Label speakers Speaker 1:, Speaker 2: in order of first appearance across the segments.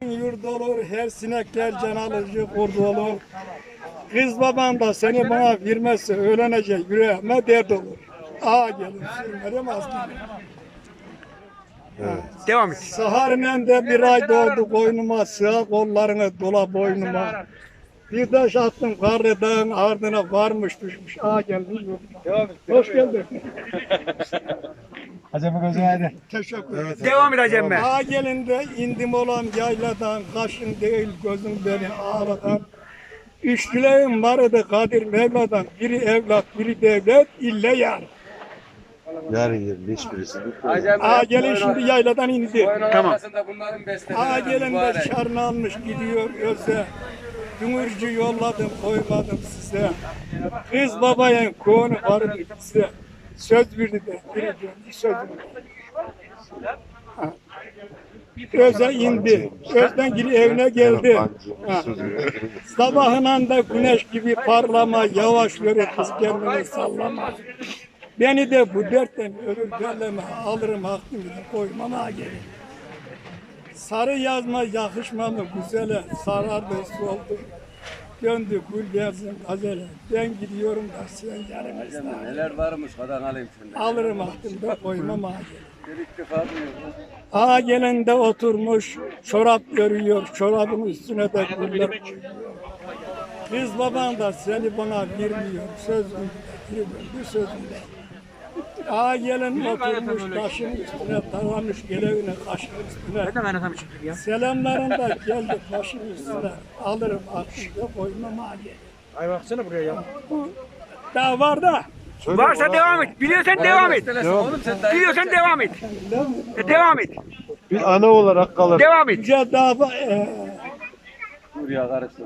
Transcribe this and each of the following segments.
Speaker 1: Yurda olur, her sinekler can alıcı kurdu olur. Kız baban da seni bana vermezse öğlenecek yüreğime dert olur. Ağa gelir, sürmedim aslında.
Speaker 2: Evet.
Speaker 3: Devam et.
Speaker 1: Saharinen de bir ay doğdu koynuma, sığ kollarını dola boynuma. Bir taş attım karlı dağın ardına varmış düşmüş. Ağa geldi. Hoş geldin.
Speaker 2: Acemi gözü hadi.
Speaker 1: Teşekkür ederim.
Speaker 3: Devam et Acem Bey.
Speaker 1: Ağa gelinde indim olan yayladan, kaşın değil gözüm beni ağladan. Üç dileğim vardı Kadir Mevla'dan, biri evlat, biri devlet, ille yar.
Speaker 2: Yarın yerin hiçbirisi.
Speaker 1: Ağa gelin şimdi yayladan indi.
Speaker 3: Tamam.
Speaker 1: Ağa gelin de şarnı almış gidiyor öze. Dümürcü yolladım koymadım size. Kız babayın konu vardı size. Söz verdi de biri döndü söz verdi. Öze indi. Özden geri evine geldi. Ha. Sabahından da güneş gibi parlama, yavaş yürü kız kendini sallama. Beni de bu dertten ölür derleme, alırım hakkımı koymam ağa gelin. Sarı yazma yakışma mı güzele, sarardı soldu. Döndü gül yazım gazele, ben gidiyorum da sen yanımızda.
Speaker 4: Neler varmış kadar alayım senden.
Speaker 1: Alırım hakkımı da koymam ağa gelin.
Speaker 4: Bir ilk defa duyuyorum.
Speaker 1: Ağa gelen de oturmuş, çorap görüyor, çorabın üstüne de güller koyuyor. Kız baban da seni bana vermiyor, sözünde, bir sözünde. Ağa gelen oturmuş, taşın üstüne, taramış gelevine, kaşın üstüne.
Speaker 3: Ben de anlatam çünkü ya.
Speaker 1: Selamların da geldi taşın üstüne, alırım aklımda koymam ağa gelin.
Speaker 3: Ay baksana buraya ya.
Speaker 1: Bu daha var da,
Speaker 3: Varsa devam et. Biliyorsan devam et.
Speaker 4: Oğlum sen daha
Speaker 3: Biliyorsan devam et. Devam et.
Speaker 2: Bir ana olarak kalır.
Speaker 3: Devam et.
Speaker 1: yüce dağ,
Speaker 4: buraya karıştırdın.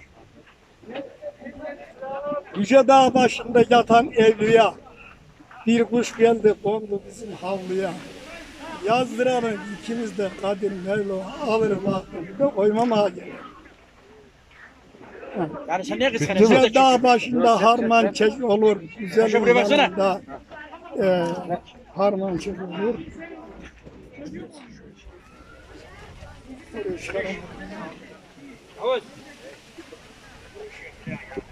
Speaker 1: yüce dağ başında yatan evliya. Bir kuş geldi kondu bizim havluya. Yazdıralım ikimiz de Kadir Mevla alırım aklımda koymam ağa gelin.
Speaker 3: Yani sen niye kıskanıyorsun?
Speaker 1: Güzel dağ başında harman çek olur. Güzel
Speaker 3: Şu buraya baksana.
Speaker 1: yanında, harman çek olur. Buraya çıkaralım.